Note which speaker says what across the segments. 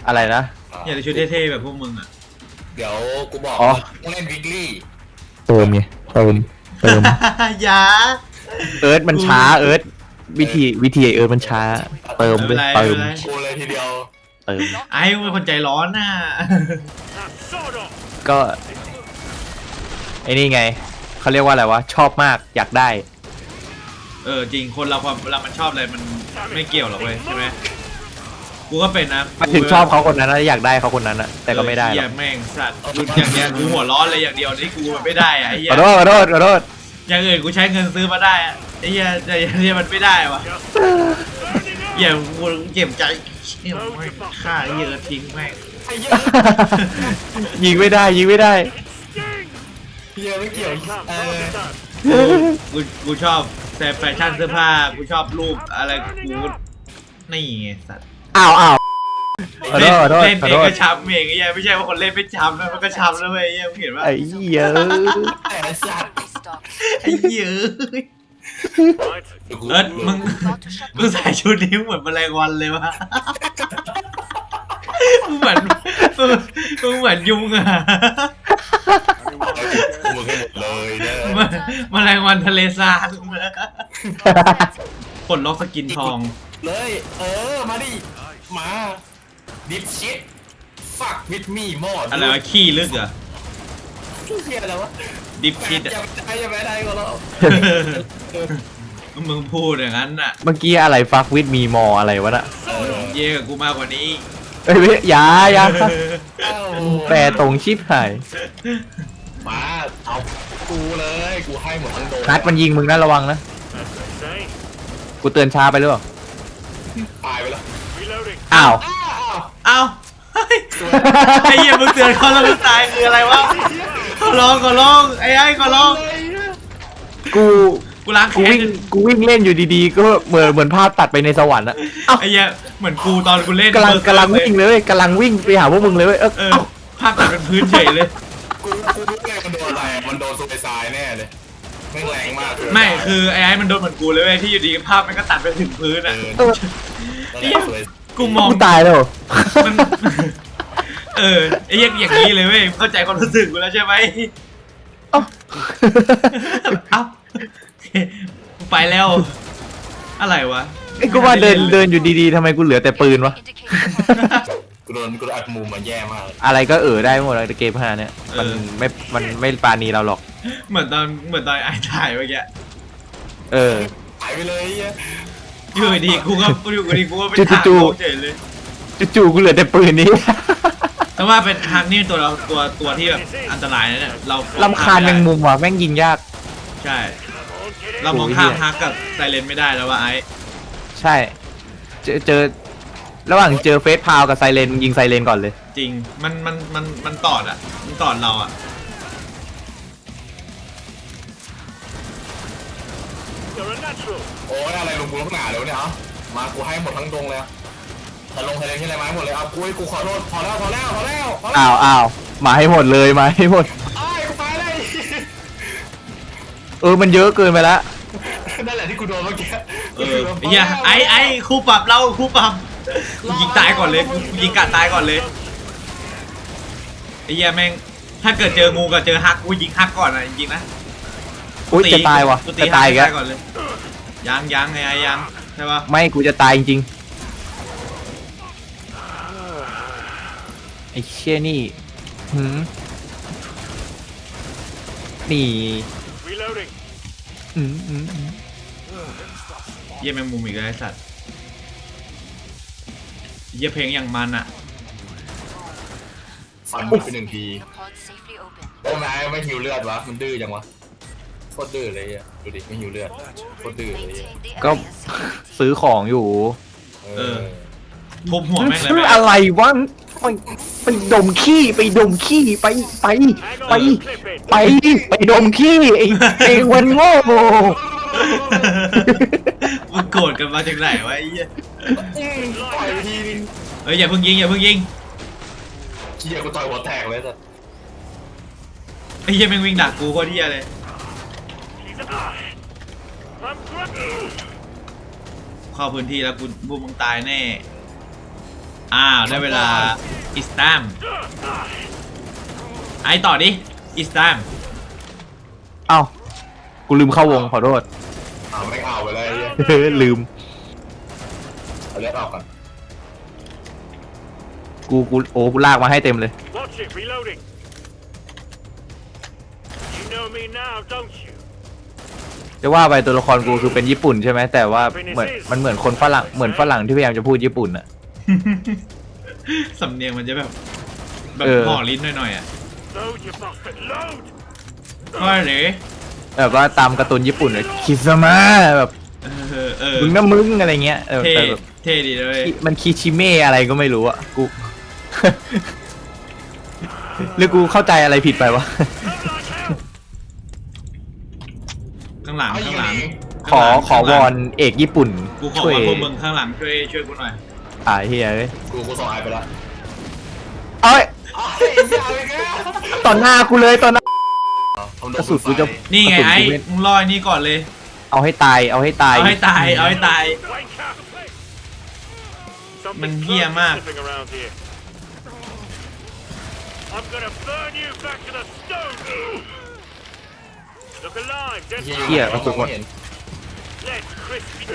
Speaker 1: อะไรนะ
Speaker 2: อยากได้ชุดเท่ๆแบบพวกมึงอ่ะ
Speaker 3: เดี๋ยวกูบอกต้องเล่นวิกลี่
Speaker 1: เติมไงเติม
Speaker 2: อย่า
Speaker 1: เอิร์ธมันช้าเอิร์ธวิธีเอิร์ธมันช้าเติมเลยเติม
Speaker 3: กูเลยทีเดียว
Speaker 1: เติม
Speaker 2: ไอ้เป็นคนใจร้อนน่ะ
Speaker 1: ก็ไอ้นี่ไงเขาเรียกว่าอะไรวะชอบมากอยากได้
Speaker 2: จริงคนเราความเวลามันชอบอะไรมันไม่เกี่ยวหรอกเว้ยใช่ไหมกูก็เป็นนะ
Speaker 1: มาถึงชอบเขาคนนั้นนะอยากได้เขาคนนั้นนะแต่ก็ไม่ได้หรอก
Speaker 2: แม่งสัตว์อย่างเงี้ยกูหัวร้อนเลยอย่างเดียวนี่กูไม่ได้อะไอ้เหี้ย
Speaker 1: ขอโทษ
Speaker 2: อย่างอื่นกูใช้เงินซื้อมาได้อะไอ้เหี้ยแต่อย่างนี้มันไม่ได้วะอย่ากูเจ็บใจเนี่ยไม่ฆ่าไอ้เหี้ยทิ้งแม่ง
Speaker 1: ยิงไม่ได้
Speaker 3: เฮียไม่เกี่ยว
Speaker 2: กูชอบแฟชั่นเสื้อผ้ากูชอบรูปอะไรกูนี่ไงสัตว์
Speaker 1: อ้าว
Speaker 2: เล่นเองก็ช้ำเองไอ้เหี้ยไม่ใช่ว่าคนเล่นไม่ช้ำนะมันก็ช้ำนะเว้ยไอ้เหี้ยมึงเห็นปะ
Speaker 1: ไอ้เหี้ย
Speaker 2: ไอ้เหี้ยมึงใส่ชุดนี้เหมือนแมลงวันเลยวะมึงเหมือนยุงอะ
Speaker 3: มึงให้หมดเลยเนี่ย
Speaker 2: แมลงวันทะเลทรายปลดล็อกสกินทอง
Speaker 3: เลยมาดิมาดิฟชิตฟักวิดมี่มอด
Speaker 2: อะไรวะขี้ลึกเหรอ
Speaker 3: เฮียอะไรวะ
Speaker 2: ดิฟชิต
Speaker 3: อย่าไปได้ก็แล้ว
Speaker 2: มึงพูดอย่างนั้นน่ะ
Speaker 1: เมื่อกี้อะไรฟักวิดมีมออะไรวะน่ะ
Speaker 2: เย่กับกูมากกว่านี้
Speaker 1: เอ้ยอย่าแปรตรงชิบหาย
Speaker 3: มาเอากูเลยกูให้หมดทั้งโดน
Speaker 1: นัดมันยิงมึงนะระวังนะกูเตือนช้าไปหรือเปล่า
Speaker 3: ตายไปแล้ว
Speaker 1: อ้าว
Speaker 2: ไอ้เหี้ยมึงเตือนเขาแล้วมึงตายคืออะไรวะขอร้องไอ้ขอร้องกูล้างแค้น
Speaker 1: กูวิ่งเล่นอยู่ดีๆก็เหมือนภาพตัดไปในสวรรค์อะ
Speaker 2: ไอ้เหี้ยเหมือนกูตอนกูเล่น
Speaker 1: กำลังวิ่งเลยกำลังวิ่งไปหาพวกมึงเลย
Speaker 2: ภาพตัดเป็นพื้นเฉยเลย
Speaker 3: กูรู้เลยมันโดนอะไรมันโดนซูเปอร์ไซน์แน่เลยไม่แรงมาก
Speaker 2: ไม่คือไอ้มันโดนเหมือนกูเลยเว้ยที่อยู่ดีภาพมันก็ตัดไปถึงพื้นอ่ะกูมอง
Speaker 1: ตายแล้ว
Speaker 2: ไอ้อย่างนี้เลยเว้ยเข้าใจความรู้สึกกูแล้วใช่ไหมเอ้าไปแล้วอะไรวะ
Speaker 1: ไอ้กูว่าเดินอยู่ดีๆทำไมกูเหลือแต่ปืนวะ
Speaker 3: กูโดนอัดมุมมันแย่มาก
Speaker 1: อะไรก็ได้หมดเลยเกม5เนี่ยมันไม่ปาณีเราหรอก
Speaker 2: เหมือนตอนไอ้ถ่ายเมื่อกี้
Speaker 3: หายไปเลย
Speaker 2: อยู่ดีกูก็ไปถ่ายเฉยเลย
Speaker 1: จู่กูเหลือแต่ปืนนี้
Speaker 2: แต่ว่าเป็นทางนี่ตัวที่แบบอันตรายนะเนี่ยเรา
Speaker 1: ลำคาญแมงมุมว่ะแม่งยิงยาก
Speaker 2: ใช่เรามองข้ามฮักกับไซเลนไม่ได้แล้วว่าไอ้
Speaker 1: ใช่เจอระหว่างเจอเฟสพาวกับไซเลนยิงไซเลนก่อนเลย
Speaker 2: จริงมันตอดอ่ะมันตอดเราอ่ะ
Speaker 3: โอ้ยอะไรลงกูลักหนาเลยวะเนี่ยมากูให้หมดทั้งดงเลยแต่ลงไซเลนที่อะไรมาหมดเลยเอากูขอโทษพอแล้ว
Speaker 1: อ้าวมาให้หมดเลยมาให้หมด
Speaker 3: กูไปเลย
Speaker 1: มันเยอะเกินไปแล้ว
Speaker 3: นั่นแหละที่กูโดนเมื่อกี้
Speaker 2: เฮียไอ้คู่ปรับเราคู่ปรับยิงตายก่อนเลยยิงกัดตายก่อนเลยไอ้เฮียแม่งถ้าเกิดเจองูกับเจอฮักกูยิงฮักก่อนนะจริงๆนะ
Speaker 1: จะตายวะจะตาย
Speaker 2: ก่อนเลยยังไงยังใช่ปะ
Speaker 1: ไม่กูจะตายจริงไอ้เชี่ยนี่นี่
Speaker 2: เยี่ยแมงมุมอีกแล้วไอ้สัตว์เยี่ยเพลงอย่างมันอะ
Speaker 3: ฟันมันไป1 ทีโอ้แม่ไม่หิวเลือดวะมันดื้อจังวะโคตรดื้อเลยอ่ะดูดิไม่หิวเลือดโคตรดื้อเลย
Speaker 1: ก็ซื้อของอยู่
Speaker 2: ทุบหัวแม่งเลย
Speaker 1: ซื้ออะไรวะไปดมขี้ไปดมขี้ไปดมขี้ไอ้วันโง่
Speaker 2: มึงโกรธกันมาจากไหนวะไอ้เหี้ยอย่าเพิ่งยิง
Speaker 3: เชี่ยกูต่อยหัวแตกเลยสัส
Speaker 2: ไอ้เหี้ยแม่งวิ่งดักกูโคตรเหี้ยเลยเข้าพื้นที่แล้วกูมึงตายแน่อ้าวได้เวลาอิสตามไอต่อดิอิสตาม
Speaker 1: เอ้ากูลืมเข้าวงขอโทษ
Speaker 3: ไม่เอาไปเลยไอ้เหี้ย
Speaker 1: ลืม
Speaker 3: เอาเลือดออกก่อน
Speaker 1: กูลากมาให้เต็มเลย
Speaker 4: Watch it, reloading. You know me now, don't you?
Speaker 1: จะว่าไปตัวละครกูคือเป็นญี่ปุ่นใช่ไหมแต่ว่ามันเหมือนคนฝรั่งเหมือนฝรั่งที่พยายามจะพูดญี่ปุ่นอะ
Speaker 2: สำเนียงมันจะแบบห่อลิ้นหน่อยๆอ่ะ
Speaker 4: Load, you bastard, load!
Speaker 2: ก็เลย
Speaker 1: แบบว่าตามการ์ตูนญี่ปุ่นเลยคิซามะแบบ
Speaker 2: เออ
Speaker 1: มึงนะมึงอะไรเงี้ย
Speaker 2: เท่
Speaker 1: แต่แบบ
Speaker 2: เท่ดีเลย
Speaker 1: มันคิชิเมะอะไรก็ไม่รู้อะกู หรือกูเข้าใจอะไรผิดไปวะ
Speaker 2: ข้างหลัง
Speaker 3: เอายิ
Speaker 2: ข้าง งหลัง
Speaker 3: ยิง
Speaker 1: ขอวอนเอกญี่ปุ่น
Speaker 2: กูขอ
Speaker 1: ช่วย
Speaker 2: วอนพวกมึงข้างหลังช่วยกูหน่อย
Speaker 1: เฮียเอ้ย
Speaker 3: กูส่งไอไปแล้ว
Speaker 1: เอ้ย
Speaker 3: ไอ้ยาไปแก
Speaker 1: ต่อหน้ากูเลยต่อหน้า กระสุนกูจะ
Speaker 2: นี่ไง
Speaker 1: กระสุน
Speaker 2: ไอ้
Speaker 1: กูไม่
Speaker 2: มึงลอยนี่ก่อนเลย
Speaker 1: เอาให้ตายเอาให้ตาย
Speaker 2: เอาให้ตายเอาให้ตาย
Speaker 4: Wake up!
Speaker 2: Man,
Speaker 4: Something
Speaker 2: here,
Speaker 4: close
Speaker 2: man.
Speaker 4: sniffing around here. I'm gonna burn you back to the stone! Look alive, dead
Speaker 1: เหี้ยกระสุนหมด
Speaker 3: เห็น
Speaker 4: Let's crispy.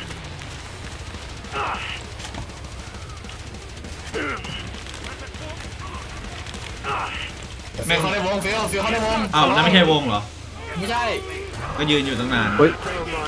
Speaker 2: แม่ง
Speaker 3: เข้าในวงฟิลเข้าในวง
Speaker 2: อ้าวนั่นไม่ใช่วงเหรอ
Speaker 3: ไม่ใช่
Speaker 2: ก็ยืนอยู่ตั้งนาน
Speaker 1: เฮ้ย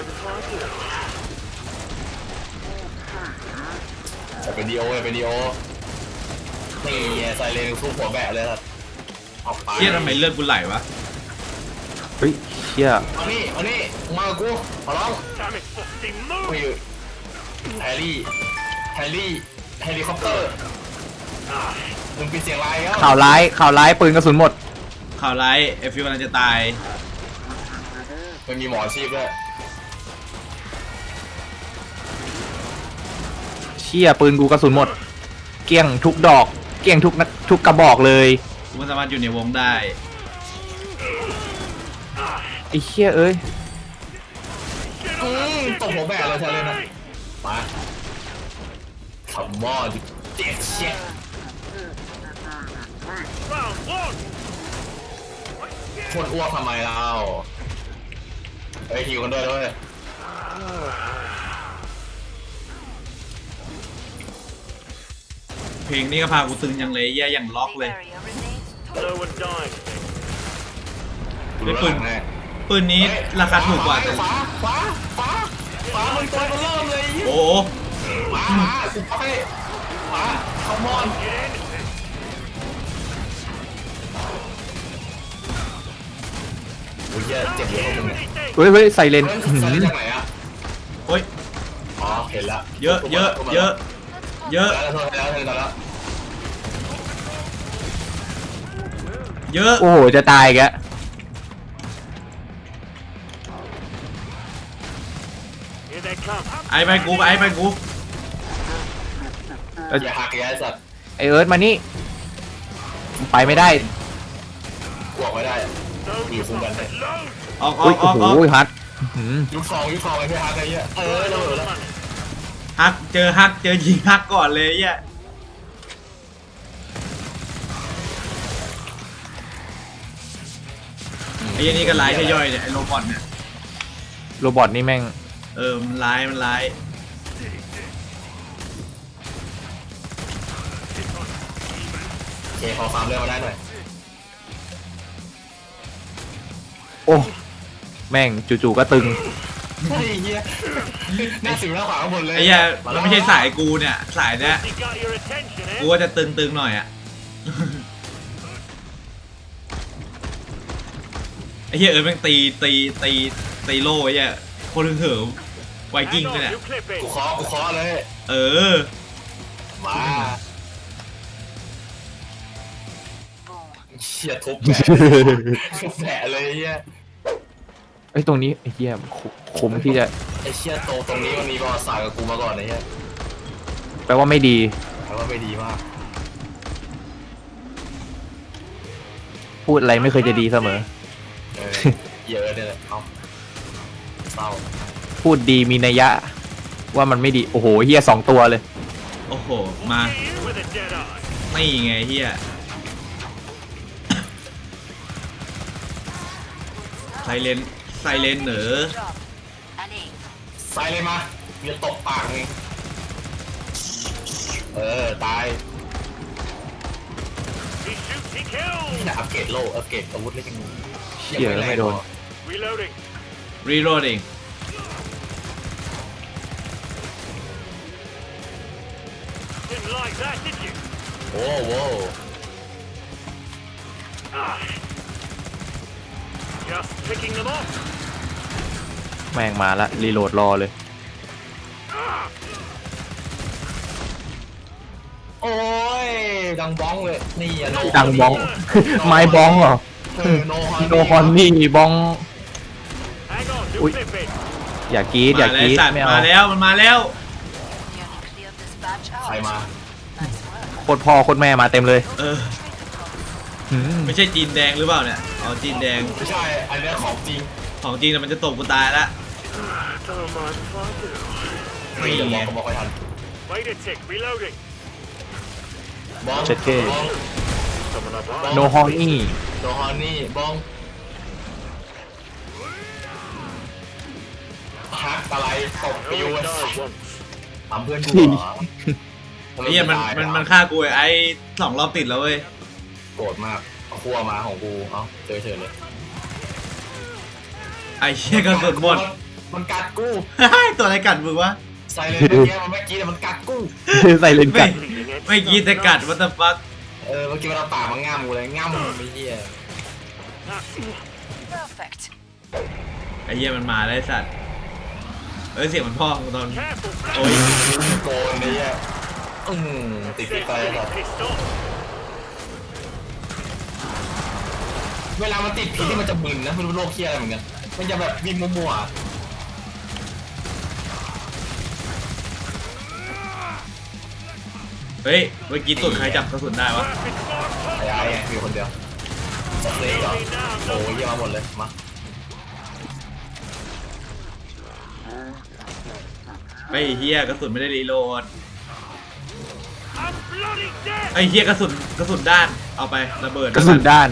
Speaker 3: จะเป็นดีโอเป็นดีโอนี่ไซเรนสู้หัวแบะเลยครับออกไป
Speaker 2: เชี่ยทำไมเลือดกูไหลวะ
Speaker 1: เฮ้ยเชี่ย
Speaker 3: เอานี่มากับกูขอร้อง
Speaker 4: Damn it, Frosty,
Speaker 3: ไม่
Speaker 4: move!
Speaker 3: อยู่แฮร์รี่เฮลิคอปเตอร์มึงปิดเสียงไลน์แล้ว
Speaker 1: ข่าวร้ายปืนกระสุนหมด
Speaker 2: ข่าวร้ายเอฟฟิวกำลังจะตาย
Speaker 3: มันมีหมออาชีพด้วย
Speaker 1: เชี่ยปืนกูกระสุนหมด เกลี้ยงทุกดอก เกลี้ยงทุกกระบอกเลย
Speaker 2: กูไม่สามารถอยู่ในวงได้
Speaker 1: ไอ้เชี่ยเอ้ย
Speaker 3: ตบหัวแบะเลยไซเรนนะมาขับมอดเจ็ดเช็ด
Speaker 4: Round one!
Speaker 3: คนอ้วกทำไมเราเฮ้ยหิวกันด้วยด้วย
Speaker 2: เพลงนี้ก็พากูตึงยังเลยแย่อย่างล็อกเลย
Speaker 4: No one dying.
Speaker 2: ไม่ปืน ปืนนี้ราคาถูกกว่าแต่
Speaker 3: ขวามันตัวมันเริ่มเลย
Speaker 2: โอ้โห
Speaker 3: มาสุดท้ายมาขมอนโอ้ยเจ็บเยอะมึงเนี่ย
Speaker 1: เฮ้ยไซเรน
Speaker 3: เฮ้ย
Speaker 1: อื้อ
Speaker 3: ใส่
Speaker 1: หือ
Speaker 3: จากไหนอ่ะ
Speaker 2: โอ้ย
Speaker 3: อ๋อเห็นละ
Speaker 2: เยอะเยอะเยอะเยอะ
Speaker 3: แล้ว
Speaker 2: เยอะ
Speaker 1: โอ้โหจะตายอีกแล้ว
Speaker 4: Here they come.
Speaker 2: ไอ้ไปกูไอ้ไปกู
Speaker 3: อย่าหักแย่สัตว์
Speaker 1: ไอเอิร์ธมานี่ไปไม่ได้
Speaker 3: กวกไม่ได้
Speaker 4: Load, you bastard, load!
Speaker 2: ออก
Speaker 1: โอ้ย
Speaker 2: ออก
Speaker 1: โอ้โหฮัทอื้อหือ
Speaker 3: ยุคทองไอ้พี่ฮักไอ้เหี้ยเราเหลือแล้ว
Speaker 2: ฮักเจอยิงฮักก่อนเลยแย่ไอ้ยันนี่ก็ร้ายแค่ย่อยเนี่ยไอ้โรบอทเนี่ย
Speaker 1: โรบอทนี่แม่ง
Speaker 2: มันร้ายมันร้าย
Speaker 3: โอเคขอฟาร์มเรื่องมาได้หน่อย
Speaker 1: โอ้แม่งจู่ๆก็ตึง
Speaker 3: ไอ้เหี้ยหน้าสิวหน้าขวาข้างบนเลย
Speaker 2: ไอ้เหี้ยมันไม่ใช่สายกูเนี่ยสายเนี้ย
Speaker 4: He got your attention,
Speaker 2: กู
Speaker 4: eh?
Speaker 2: ว่าจะตึงหน่อยอ่ะ ไอ้เหี้ยแม่งตีโล่ไอ้เหี้ยคนเหิมไวกิ้ง
Speaker 4: Hang
Speaker 2: ด้วย
Speaker 4: on,
Speaker 2: เนี่ย
Speaker 4: you clip it.
Speaker 3: กูเคาะเลย
Speaker 2: เออ
Speaker 3: มาเชี่ยทุบแผลเลยเหี้ย
Speaker 1: ไอ้ยตรงนี้ไอ้เหี้ยคุ้มที่จะ
Speaker 3: ไอ้เชี่ยตรงนี้มันมีประวัติศาสตร์กับกูมาก่อนไอ้เหี้ย
Speaker 1: แปลว่าไม่ดี
Speaker 3: แต่ว่าไม่ดีมาก
Speaker 1: พูดอะไรไม่เคยจะดีเสมอ
Speaker 3: เยอะเนี่ยเอาเศร้า
Speaker 1: พูดดีมีนัยยะ ว่ามันไม่ดี โอ้โหเหี้ย2 ตัวเลย
Speaker 2: โอ้โห มา
Speaker 4: You with a Jedi.
Speaker 2: ไม่ไงเฮียไซเลนเหนอ
Speaker 3: ใส่เลยมาเดี๋ยวตบปากไงตาย
Speaker 4: He shoots, he kills.
Speaker 3: นี่นะอัปเกรดโล่อัปเกรดอาวุธเล่นยัง
Speaker 1: เชี่ยไม่โดน
Speaker 4: Reloading.
Speaker 2: รีโหลดเอง
Speaker 4: Didn't like that, did you?
Speaker 3: โอ้โห
Speaker 4: Ah. Just picking them off.
Speaker 1: แม่งมาละรีโหลดรอเลย
Speaker 3: โอ้ยดังบ้องเลยนี่อะโน
Speaker 1: ดังบ้อง ไม้บ้องเหรอ
Speaker 3: โน
Speaker 1: โนคอนนี่บ้อง
Speaker 4: Hang on, do
Speaker 1: Ui.
Speaker 4: clip it.
Speaker 1: อย่ากรีดอย่ากรีด
Speaker 2: สัตว์
Speaker 1: ไม่เอา
Speaker 2: มาแล้วมันมาแล้ว
Speaker 3: ใครมา
Speaker 1: โคตรพ่อโคตรแม่มาเต็มเลย
Speaker 2: เออ
Speaker 1: หืม
Speaker 2: ไม่ใช่จีนแดงหรือเปล่าเนี่ยอ๋อจีนแดง
Speaker 3: ไม่ใช่อันนี้ของจริง
Speaker 2: ของจีนน่ะมันจะตกกูตายละ
Speaker 4: Don't mind if I do.
Speaker 3: ไม่เดี๋ยวมองก็บอกไม่ทัน
Speaker 4: Wait a tick, reloading.
Speaker 3: บ้อง
Speaker 1: เจ็ดเก้
Speaker 3: บ้อง
Speaker 4: Coming up
Speaker 1: โนฮอนนี่
Speaker 3: โนฮอนนี่บ้องฮักอะไรตบปิว
Speaker 4: Only died once.
Speaker 3: ทำเพื่อนกูเหรอ
Speaker 2: ไอ้เหี้ยมันฆ่ากูไอ้2 รอบติดแล้วเว้ย
Speaker 3: โกรธมากเอาขั้วมาของกูเอ้าเจอเฉยเลย
Speaker 2: ไอ้เหี้ยกระสุนหมด
Speaker 3: มันกัดกู
Speaker 2: ตัวอะไรกัดมึงวะ
Speaker 3: ใส่เลยเมื่อกี้มันไม่กี้แต่มันกัดกู
Speaker 1: ใส่เลนส์กัด
Speaker 4: Bleeding it.
Speaker 2: ไม่กินแต่กัดวัตถุฟัก
Speaker 3: เมื่อกี้มันเอาปากมาง่ามกูเลยง่ามไม่เหี้ย
Speaker 5: Perfect.
Speaker 2: ไอ้เหี้ยมันมาแล้วไอ้สัตว์เสียงมันพ่อกูตอน
Speaker 4: Careful,
Speaker 2: โอ้ย
Speaker 3: โกนไอ้เหี้ยติดไฟแบบ
Speaker 4: pissed off.
Speaker 3: เวลามันติดพิษที่มันจะมึนนะไม่รู้โรคเคี้ยอะไรเหมือนกันมันจะแบบวิ่งมั่ว
Speaker 2: เฮ้ยเมื่อกี้ตุ่นใครจับกระสุนได้วะ
Speaker 4: Perfect spot.
Speaker 3: ๆไอ้ไอ้มีคนเดียวสเปรย์เหรอโอ้ยเยี่ยมาหมดเลยมา
Speaker 2: ไอ้เหี้ยกระสุนไม่ได้รีโหลด
Speaker 4: I'm bloody dead.
Speaker 2: ไอ้เหี้ยกระสุนด้านเอาไประเบิด
Speaker 1: กระสุนด้าน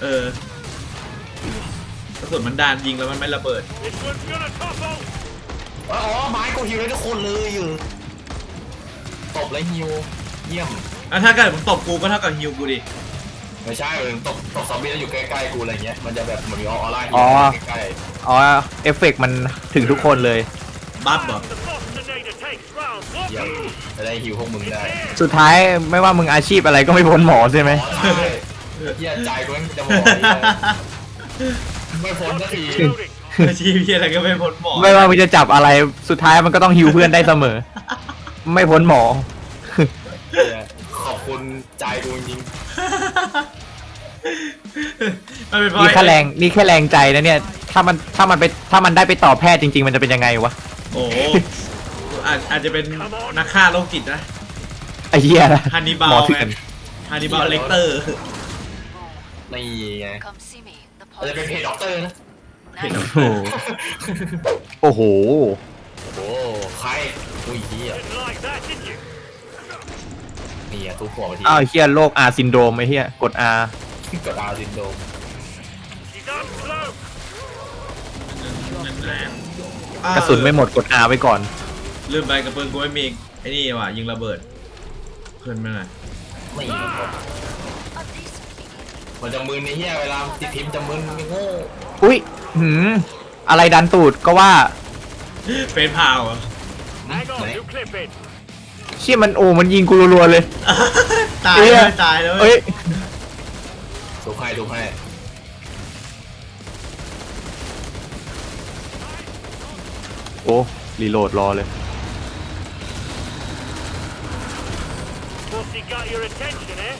Speaker 2: กระสุนมันด้านยิงแล้วมันไม่ระเบิด
Speaker 4: This one's gonna topple.
Speaker 3: อ๋อไม้กูฮิวได้ทุกคนเลยอยู่ตบแล้วฮิวเยี่ยม
Speaker 2: ถ้าเกิดมึงตบกูก็เท่ากับฮิวกูดิ
Speaker 3: ไม่ใช่มันตบซอมบี้แล้วอยู่ใกล้ๆกูอะไรเงี้ยมันจะแบบเหมือนมีออร่าฮิวใกล้
Speaker 1: อ๋อ เอฟเฟกต์มันถึงทุกคนเลย
Speaker 2: บัฟเหรอ
Speaker 4: The Bostinator takes round
Speaker 3: ๆเยี่ยม
Speaker 4: one.
Speaker 3: จะได้ฮิวพวกมึงได้
Speaker 1: สุดท้ายไม่ว่ามึงอาชีพอะไรก็ไม่พ้นหมอใช่ไหม
Speaker 3: อ๋อใช่เยี่ยใจกูจะบอกไม่พ้นสักที
Speaker 4: Reloading.
Speaker 2: อาชีพเหี้ยอะไรก็ไม่พ้นหมอ
Speaker 1: ไม่ว่ามึงจะจับอะไร สุดท้ายมันก็ต้องฮิวเพื่อนได้เสมอ ไม่พ้นหมอ
Speaker 3: ขอบคุณใจกูจริง
Speaker 2: มันเป็นเพราะ
Speaker 1: นี่แค่แรงใจนะเนี่ย ถ้ามันได้ไปต่อแพทย์จริง ๆ มันจะเป็นยังไงวะ
Speaker 2: โอ้โหอาจจะเป็นนักฆ่าโรคจิตนะ
Speaker 1: ไอ้เหี้ยนะ
Speaker 2: ฮันนิบา
Speaker 1: หม
Speaker 2: ล
Speaker 1: อเถื่
Speaker 2: ไง
Speaker 1: อน
Speaker 2: ฮันนิบาลเลกเตอร์
Speaker 3: ๆนี่ไง
Speaker 5: Come see me. The
Speaker 3: เราจะเป็นเพจด็อกเตอร์นะ
Speaker 1: โอ้โห
Speaker 3: โอ้ใครอุ้ยเหี้ย
Speaker 4: Didn't like that, did you?
Speaker 3: นี่ทุกหัวไปที
Speaker 1: อ้าวไอ้เหี้ยโรคอาซินโดรมไอ้เหี้ยกด R
Speaker 3: กดอาซินโดม
Speaker 4: She's uncloaked.
Speaker 1: กระสุนไม่หมดกด R ไว้ก่อน
Speaker 2: ลืมไปกระเปืนกูไม่มีไอ้นี่ว่ะยิงระเบิดเพิ่นมาหน่อย
Speaker 3: ไม่
Speaker 5: A decent beginning.
Speaker 3: มันจะมึนในเหี้ยเวลาติดพิมพ์จะมึนโง่
Speaker 1: อุ้ยหืมอะไรดันตูดก็ว่า
Speaker 2: เฟนพาวเหรอ
Speaker 4: Hang on, do clip it.
Speaker 1: เชี่ยมันมันยิงกูรัวๆเลย
Speaker 2: ตาย
Speaker 1: เอ้ย
Speaker 2: เลยตายแล้ว
Speaker 1: เอ้ย
Speaker 3: ดูให้
Speaker 1: โอ้รีโหลดรอเลย
Speaker 4: What's he got your attention, eh?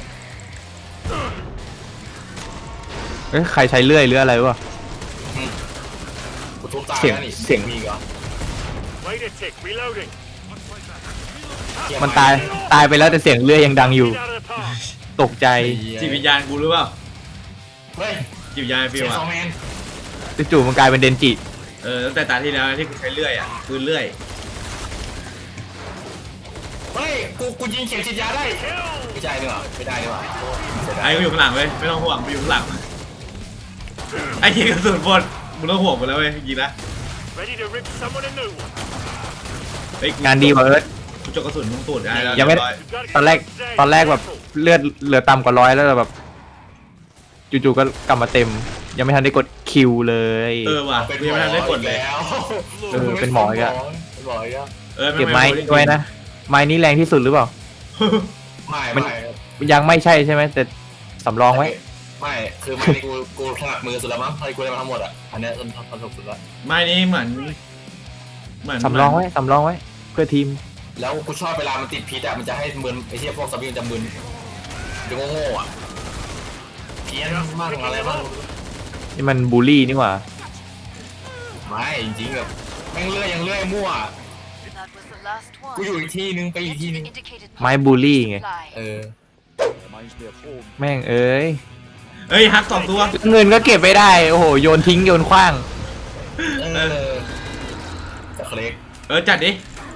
Speaker 1: เอ้ยใครใช้เลื่อยหรืออะไรวะ
Speaker 3: กูทุบตาย
Speaker 1: เสียง
Speaker 3: แล้วนี่
Speaker 1: เสียง
Speaker 3: มีอีกเหรอ
Speaker 4: Wait a tick, reloading.
Speaker 3: เหี้
Speaker 1: มันตายไปแล้วแต่เสียงเลื่อยยังดังอยู่
Speaker 4: Get out of the park.
Speaker 1: ตกใจ
Speaker 2: จิตวิญญาณกูหรือเปล่า
Speaker 3: เฮ้ย
Speaker 2: จิตวิญญาณฟิ
Speaker 3: เสี
Speaker 2: วย
Speaker 3: ง
Speaker 2: อ่ะ
Speaker 3: ซอแมน
Speaker 1: จู่ๆมันกลายเป็นเดนจิ
Speaker 2: ตั้งแต่ตาที่แล้วที่กูใช้เลื่อยอ่ะปืนเลื่อย
Speaker 3: เฮ้ยกูยิงเข็มฉีดยาได้ไม่ใช่ดีกว่าไม่ได้ดีกว่า
Speaker 2: ไอ้กูอยู่ข้างหลังเว้ยไม่ต้องห่วงกูอยู่ข้างหลังไอ้ยิงกระสุนบนมึงต้องห่วงกูแล้วเว้ยยิงนะ
Speaker 4: Ready to rip someone a new one.
Speaker 2: เฮ้ย
Speaker 1: งานดีกว่าเอิร์ธ
Speaker 2: กูจกกระสุนมึงตูดได้แล้ว
Speaker 1: ยังไม่
Speaker 2: เรีบร้อ
Speaker 4: You've got to
Speaker 1: ตอนแรก
Speaker 4: keep safe.
Speaker 1: ตอนแรกแบบเลือดเหลือต่ำกว่า100แล้วแบบจู่ๆก็กลับมาเต็ม ยังไม่ทันได้กดคิวเลย
Speaker 2: เออว่ะกูยังไม่ทันได้กดเลย
Speaker 3: แล้ว
Speaker 1: เป็นหมออีกอะ
Speaker 3: เป็นหมออีกอะ
Speaker 2: เออ
Speaker 1: เก็บไม้ด้วยนะ ไม้นี้แรงที่สุดหรือเปล่า
Speaker 3: ไม่
Speaker 1: ยังไม่ใช่ใช่ไหมแต่สำรองไว้
Speaker 3: ไม่คือไม่ได้กูถนัดมือสุดแล้วมั้งให้กูได้มาทั้งหมดอ่ะอันเนี้ยทำถูกสุดแล้ว
Speaker 2: ไม้นี้เหมือน
Speaker 1: สำรองไว้สำรองไว้ เพื่อทีม
Speaker 3: แล้วกูชอบเวลามันติดพิษอ่ะมันจะให้มึนไอ้เหี้ยพวกซอมบี้มันจะมึนจะโง่ๆอ่ะเพี้ยนมากอะไรบ้าง
Speaker 1: นี่มันบูลลี่นี่หว่า
Speaker 3: ไม่จริงๆแบบแม่งเลื่อยยังเลื่อยมั่ว
Speaker 5: That was the last one.
Speaker 3: กูอยู่อีกที่นึงไปอีก
Speaker 5: Get
Speaker 3: ที่
Speaker 5: to
Speaker 3: นึ
Speaker 5: the
Speaker 3: ง
Speaker 5: indicated
Speaker 1: ไม้บูลลี่ไง
Speaker 5: supply.
Speaker 3: เออ
Speaker 1: แม่งเอ้ย
Speaker 2: เฮ้ยฮัก2 ตัว
Speaker 1: เงินก็เก็บไม่ได้ โอ้โห โยนทิ้งโยนขว้าง
Speaker 3: เออแต่เคล็ก
Speaker 2: จัดดิ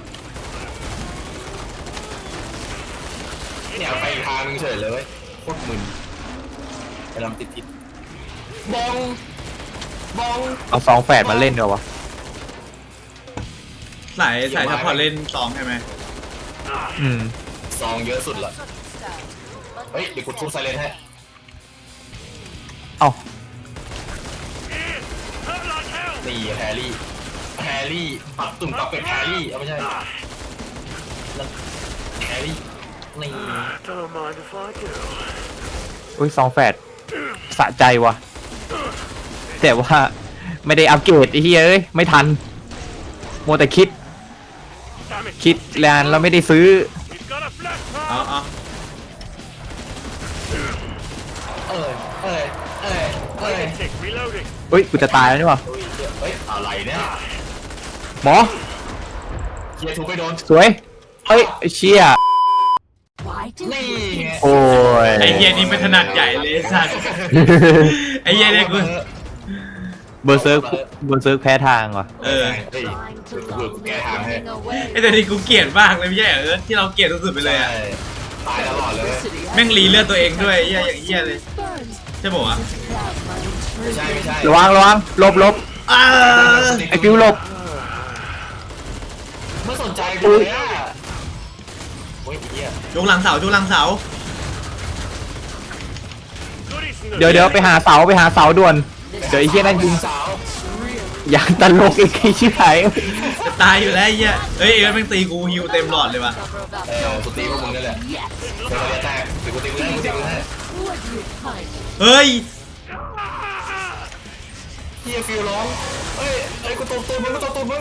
Speaker 3: เนี่ยไปอีกทางนึงเฉยเลยเว้ยโคตรมึนไปลำติดพิษบอง
Speaker 1: เอา2 แฝดมาเล่นดีกว่าวะ
Speaker 2: สายซัพพอร์ตเล่น2ใช่ไหม
Speaker 1: อืม
Speaker 3: ซองเยอะสุดละ
Speaker 5: Sort of start. But
Speaker 3: เฮ้ยเดี๋ยวกูทุบไซเรนให้
Speaker 1: เอ้า
Speaker 4: Hurt like hell.
Speaker 3: นี่แฮร์รี่ปักตุ่มปักเป็ดแฮร์รี่เอาไม่ใช่แล้วแฮร์รี่นี่
Speaker 4: Don't mind if I do.
Speaker 1: อุ้ย2 แฝดสะใจวะแต่ว่าไม่ได้อัปเกรดไอ้เหี้ยเอ้ย ไม่ทันมัวแต่คิด
Speaker 4: Damn it.
Speaker 1: คิดแลนแล้วไม่ได้ซื้อ
Speaker 4: We've got a flash
Speaker 2: เอา
Speaker 4: fire.
Speaker 2: เอา
Speaker 3: เอ้ย
Speaker 4: Wait a tick. Reloading.
Speaker 1: อุ้ย กูจะตายแล้วนี่หวะ
Speaker 3: เฮ้ยอะไรเนี่ย
Speaker 1: หมอ
Speaker 3: เฮียทุบไปโดน
Speaker 1: สวย เฮ้ยไอ้เชี่ย
Speaker 3: นี่ไง
Speaker 1: โอ้ย
Speaker 2: ไอ้เฮียนี่ไม่ถนัดใหญ่เลยสัตว์ไอ้เฮียเนี่ยกู
Speaker 1: เบอร์เซิร์กแพ้ทางว่ะ
Speaker 2: เออ
Speaker 3: เฮ้ยกูแก้ทางให้
Speaker 2: ไอ้แต่นี่กูเกลียดมากเลยไม่ใช่เหรอที่เราเกลียดสุดๆไปเลยอะ
Speaker 3: ตายตลอดเลย
Speaker 2: แม่งรีเลือดตัวเองด้วยไอ้เฮียอย่างเฮียเลยใช่ป่าวะ
Speaker 3: ไม่ใช่
Speaker 1: ระวังหลบ
Speaker 2: อ้า
Speaker 1: ไอ้ฟิวหลบ
Speaker 3: ไม่สนใจกูเลยอ่ะโอ้ยเฮีย
Speaker 2: ยกหลังเสายกหลังเสา
Speaker 4: Goodies in the
Speaker 1: เดี๋ยวไปหาเสาด่วน เดี๋ยวไอ้เหี้ยนั่นยิง
Speaker 3: สาว
Speaker 1: อย่างตลกไอ้ชิบหาย
Speaker 2: จะตายอยู่แล้วไอ้เฮียเฮ้ยเอ็มแม่งตีกูฮิวเต็มหลอดเลยว่ะ
Speaker 3: กูตีพวกมึงนั่นแหละเดี๋ยวแตกเดี๋ยวกูตีมึงให้
Speaker 2: เฮ้ย
Speaker 3: เฮียฟิวร้องเฮ้ยกูตบตัวมึง
Speaker 2: ตบตุ่น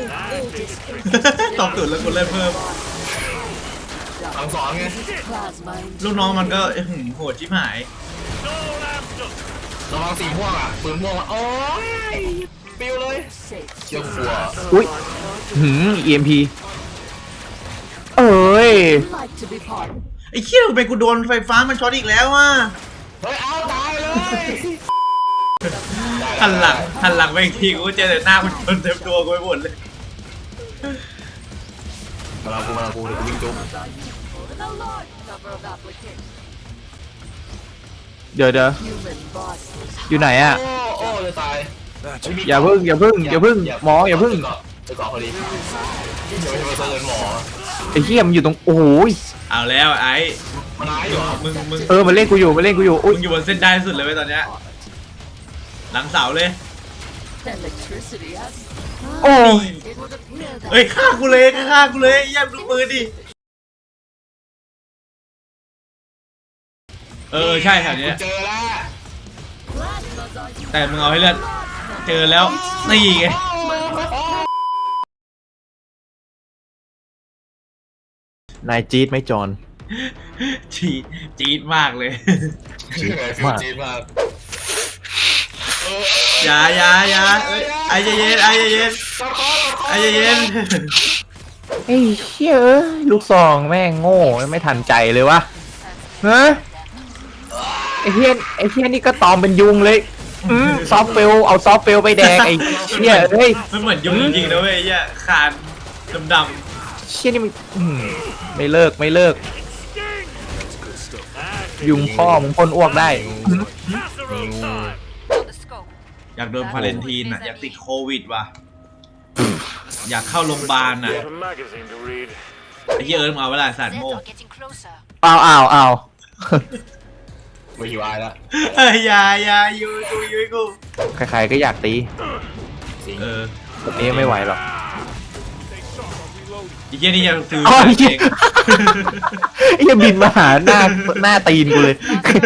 Speaker 2: แล้วกูเล่นเพิ่ม
Speaker 3: สั่งสอนไง
Speaker 2: ลูกน้องมันก็โหดชิบหาย
Speaker 4: It's all amped up.
Speaker 3: ระวังสีม่วงอ่ะปืนม่วงอ่ะโอ้ยฟิวเลยเชี่ยวกลัว
Speaker 1: อุ้ยEMP เอ้ย
Speaker 2: ไอ้เหี้ยทำไมกูโดนไฟฟ้ามันช็อตอีกแล้วอ่ะ
Speaker 3: เฮ้ยเอาตายเลย
Speaker 2: หันหลังไปอีกทีกูเจอแต่หน้ามันชนเต็มตัวกูไปหมดเลย
Speaker 3: มากูเดี๋ยวกูวิ่งจุ๊บ
Speaker 1: เดี๋ยวอยู่ไหนอ่ะ
Speaker 3: โอ้จะตาย
Speaker 1: อย่าพึ่งหมออย่าพึ่ง
Speaker 3: จะเกาะพอดีเดี๋ยวจะมาเจอหมอ
Speaker 1: ไอ้เหี้ยมันอยู่ตรงโอ้ย
Speaker 2: เอาแล้วไอ้
Speaker 3: มันร้ายอยู่
Speaker 2: มึง
Speaker 1: มันเล่นกูอยู่อุ้ย
Speaker 2: อยู่บนเส้นได้สุดเลยเว้ยตอนเนี้ยหลังเสาเลย
Speaker 1: โอ้ย
Speaker 2: เฮ้ยฆ่ากูเลยแย่มดูปืนดิใช่แถวเนี้ย
Speaker 3: เจอแล้ว
Speaker 2: แต่มึงเอาให้เลือดเจอแล้วนี่ไง
Speaker 1: นายจี๊ดไหมจอน
Speaker 2: จี๊ดมากเลย
Speaker 3: ชื่อไงฟิวจีนมาก
Speaker 2: อย่าไอ้เย็นไอ้เย็น
Speaker 1: ไอ้เหี้ยลูกซองแม่งโง่ไม่ทันใจเลยวะเฮ้ยไอ้เหี้ยนี่ก็ตอมเป็นยุงเลยซอฟเฟลเอาซอฟเฟลไปแดกไอ้เหี้ยเฮ้ย
Speaker 2: มันเหมือนยุงจริงๆนะเว้ยไอ้เหี้ยคานดำ
Speaker 1: เชี่ยนี่มันไม่เลิกไม่เลิก ยุงพ่อมึงพ่นอ้วกได้
Speaker 4: Casserole time.
Speaker 5: On the scope.
Speaker 2: อยากโดนพาเลนทีนอ่ะอยากติดโควิดว่ะอยากเข้าโรงพยาบาลอ่ะ
Speaker 4: What a magazine to read.
Speaker 2: ไอ้เหี้ยเอิร์ธมึงเอาเวลาสัตว์
Speaker 5: Zeds
Speaker 2: โม่
Speaker 5: are getting closer.
Speaker 1: เอา
Speaker 3: ไม่อยู่อายแล้ว
Speaker 2: เอ้ยอย่าอยู่กู
Speaker 1: ใครๆก็อยากตี
Speaker 2: เออ
Speaker 1: แบบนี้ไม่ไหวหรอก
Speaker 2: ไอ้เหี้ยนี่ยังซื้อ
Speaker 1: อ๋อไอ้
Speaker 2: เอ
Speaker 1: เหี้ย
Speaker 2: ง
Speaker 1: ไอ้เหี้ยบินมาหาหน้าตีนกูเลย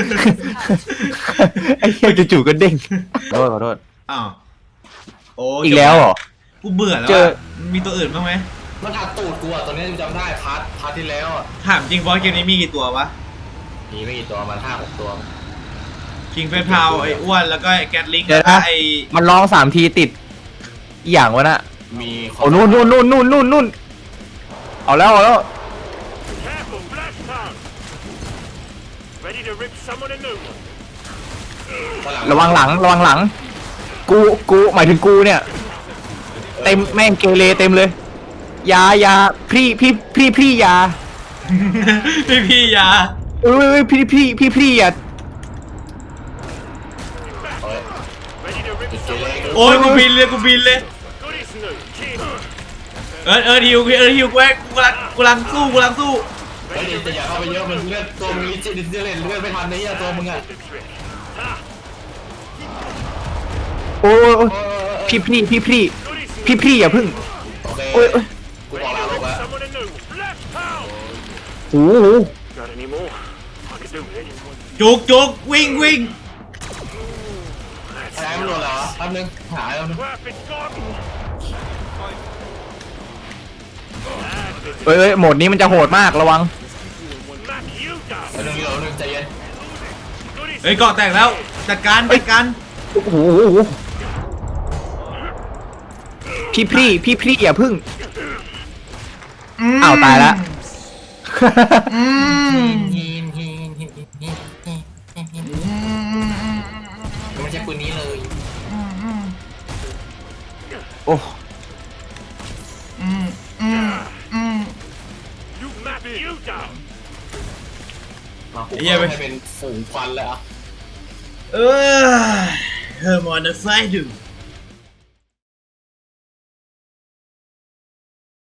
Speaker 1: ไอ้เหี้ยจู่ๆก็เด้งขอโทษ
Speaker 2: อ้าวโอ้
Speaker 1: อีกแล้วเหรอ
Speaker 2: กูเบื่อแล้ว
Speaker 1: เจอ
Speaker 2: อ่ะมีตัวอื่นบ้างไหม
Speaker 3: มันอัดตูดกูอ่ะตัวนี้กูจำได้พาร์ทที่แล้วอ่ะ
Speaker 2: ถามจริงบอสเกมนี้มีกี่ตัววะ
Speaker 3: มีไม่กี่ตัวมัน5-6 ตัว
Speaker 2: คิงเฟสพาวไอ้อ้วนแล้วก็ไอ้แกตลิง
Speaker 1: เดี๋
Speaker 2: แล้
Speaker 1: ยว ว
Speaker 2: ก็
Speaker 1: นะ
Speaker 2: ไอ้
Speaker 1: มันร้อง3 ทีติดอหย่างวะน่ะ
Speaker 3: มี
Speaker 1: โอ้นู่นเอาแล้ว
Speaker 4: Careful, flash time. Ready to rip someone a new one.
Speaker 1: ระวังหลัง กูหมายถึงกูเนี่ย เต็มแม่งเกเรเต็มเลยยาพี่ยา
Speaker 2: พี่ยา
Speaker 1: เอ้ยพี่อย่า
Speaker 4: Ready to rip
Speaker 3: เจ
Speaker 4: someone
Speaker 3: เล้
Speaker 4: a new
Speaker 2: โอ้ยกูบินเลย
Speaker 4: one. Goodies new. Keep.
Speaker 2: เอิร์ธฮิวกูแม่งกูกำลังสู้
Speaker 3: เฮ้ยจะอย่าเข้าไปเยอะมันเลือดตัวมึงลิจิเล่นเลือดไม่ทันในเหี้ยตัวมึงอ่ะ
Speaker 4: The trick.
Speaker 1: โอ้ยพี่
Speaker 4: Goodies new.
Speaker 1: พี่อย่าพึ่ง
Speaker 3: โอเค
Speaker 1: โอ้ย
Speaker 3: กูบอกลา
Speaker 4: Ready
Speaker 3: ลู
Speaker 4: to
Speaker 3: ก
Speaker 4: rip
Speaker 3: แล้ว
Speaker 4: someone a new one. Flash power.
Speaker 1: โอ้โห
Speaker 4: Got any more? I can do it.
Speaker 2: จุกวิ่ง
Speaker 3: แพ้มันโดนเหรอแป๊บนึงหาแล้วนึง
Speaker 4: Crap, it's gone.
Speaker 1: เอ้ยโหมดนี้มันจะโหดมากระวัง
Speaker 4: Mac you down.
Speaker 3: แป๊บนึงใจเย็น
Speaker 4: Goodies
Speaker 2: เฮ้ยเกาะแตกแล้วจัดการ
Speaker 1: โอ้โหพี่อย่าพึ่งอ้าวตายละ
Speaker 3: ไม่ใช่ปืนนี้เลย
Speaker 1: โอ้
Speaker 4: You Mac you down.
Speaker 3: มากูให้เป็นฝูงควันเลยอ่ะ
Speaker 2: เออเฮอร์มอนไฟดู